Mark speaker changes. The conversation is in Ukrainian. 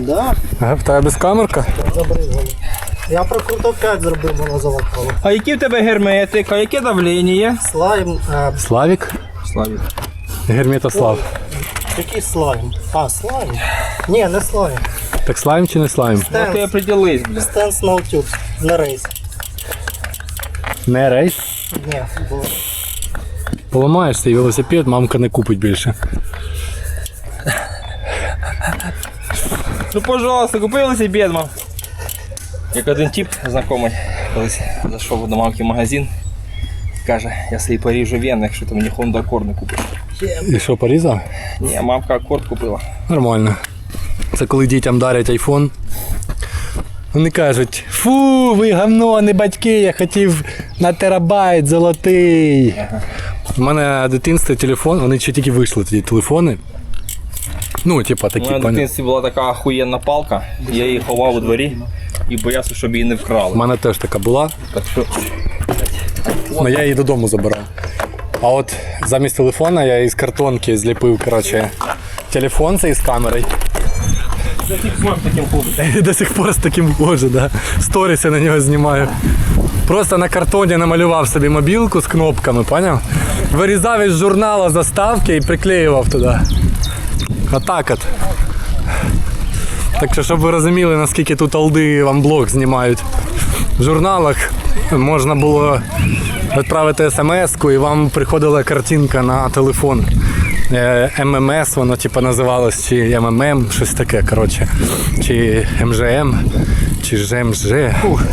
Speaker 1: Да,
Speaker 2: Ага, в тебе безкамерка?
Speaker 1: забризгали. Я прокрутив 5 зробив, воно залакало.
Speaker 3: А які в тебе герметик, а яке давлення?
Speaker 1: Слайм,
Speaker 2: Славік?
Speaker 3: Славік.
Speaker 2: Герметослав.
Speaker 1: який слайм? А, слайм? Ні, не слайм.
Speaker 2: Так слайм чи не слайм?
Speaker 3: Ну ти определись, бля.
Speaker 1: Стенс Наутюбс, не рейс.
Speaker 2: Не рейс.
Speaker 1: Ні, було.
Speaker 2: Поламаєш цей велосипед, мамка не купить більше.
Speaker 3: Ну, пожалуйста, купи велосипед, мам. Як один тип знайомий колись зайшов до мамки в магазин. Каже, я собі поріжу вени, якщо ти мені Honda Accord не купиш.
Speaker 2: І що, порізав?
Speaker 3: Ні, мамка Accord купила.
Speaker 2: Нормально. Це коли дітям дарять айфон. Вони кажуть, фу, ви гавно, а не батьки, я хотів на терабайт золотий. У мене в дитинстві телефон, вони ще тільки вийшли тоді телефони. Ну, типа
Speaker 3: У
Speaker 2: такі,
Speaker 3: мене в
Speaker 2: пані.
Speaker 3: дитинстві була така охуєнна палка, я її ховав у дворі і боявся, щоб її не
Speaker 2: У
Speaker 3: вкрали.
Speaker 2: мене теж така була,
Speaker 3: Так що
Speaker 2: але я її додому забирав. А от замість телефона я із картонки зліпив, коротше, телефон цей з камерою.
Speaker 3: це тип смак таким хлопцем.
Speaker 2: І до сих пор з таким хожу, да. Сторіс я на нього знімаю. Просто на картоні намалював собі мобілку з кнопками, поняв? Вирізав із журнала заставки і приклеював туди. Отак от. Так що, щоб ви розуміли, наскільки тут алди вам блог знімають. В журналах можна було відправити смс-ку і вам приходила картинка на телефон. ММС, воно типу називалось, чи МММ, щось таке, коротше. Чи МЖМ, чи ЖМЖ.